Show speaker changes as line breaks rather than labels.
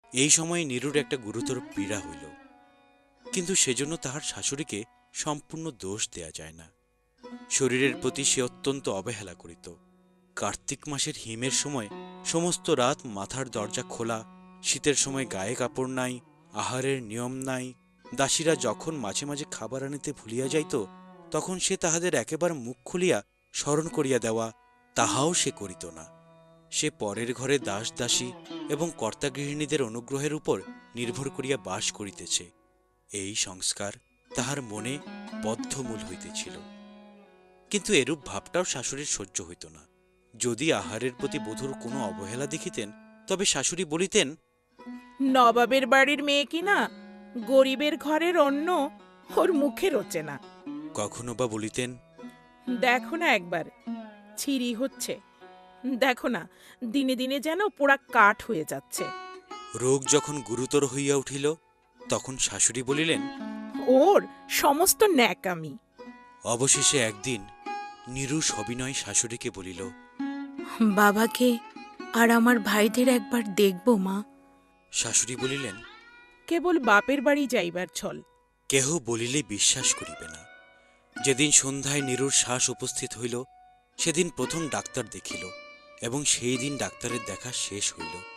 এই সময়ে নীরুর একটা গুরুতর পীড়া হইল, কিন্তু সেজন্য তাহার শাশুড়িকে সম্পূর্ণ দোষ দেয়া যায় না। শরীরের প্রতি সে অত্যন্ত অবহেলা করিত। কার্তিক মাসের হিমের সময় সমস্ত রাত মাথার দরজা খোলা, শীতের সময় গায়ে কাপড় নাই, আহারের নিয়ম নাই। দাসীরা যখন মাঝে মাঝে খাবার আনিতে ভুলিয়া যাইত, তখন সে তাহাদের একেবারে মুখ খুলিয়া স্মরণ করিয়া দেওয়া, তাহাও সে করিত না। সে পরের ঘরে দাস দাসী এবং কর্তাগৃহিণীদের অনুগ্রহের উপর নির্ভর করিয়া বাস করিতেছে, এই সংস্কার তাহার মনে বদ্ধমূল হইতেছিল। কিন্তু এরূপ ভাবটাও শাশুড়ির সহ্য হইত না। যদি আহারের প্রতি বধূর কোনো অবহেলা দেখিতেন, তবে শাশুড়ি বলিতেন,
নবাবের বাড়ির মেয়ে কিনা, গরিবের ঘরের অন্ন ওর মুখে রোচে না।
কখনো বা বলিতেন,
দেখো না একবার, ছিঁড়ি হচ্ছে, দেখো না দিনে দিনে যেন পোড়া কাঠ হয়ে যাচ্ছে।
রোগ যখন গুরুতর হইয়া উঠিল, তখন শাশুড়ি বলিলেন।
ওর সমস্ত ন্যাকামি।
অবশেষে একদিন নীরু সবিনয় শাশুড়িকে বলিল,
বাবাকে আর আমার ভাইদের একবার দেখব মা।
শাশুড়ি বলিলেন,
কেবল বাপের বাড়ি যাইবার ছল।
কেহ বলিলে বিশ্বাস করিবে না। যেদিন সন্ধ্যায় নীরুর শ্বাস উপস্থিত হইল, সেদিন প্রথম ডাক্তার দেখিল, এবং সেই দিন ডাক্তারের দেখা শেষ হইল।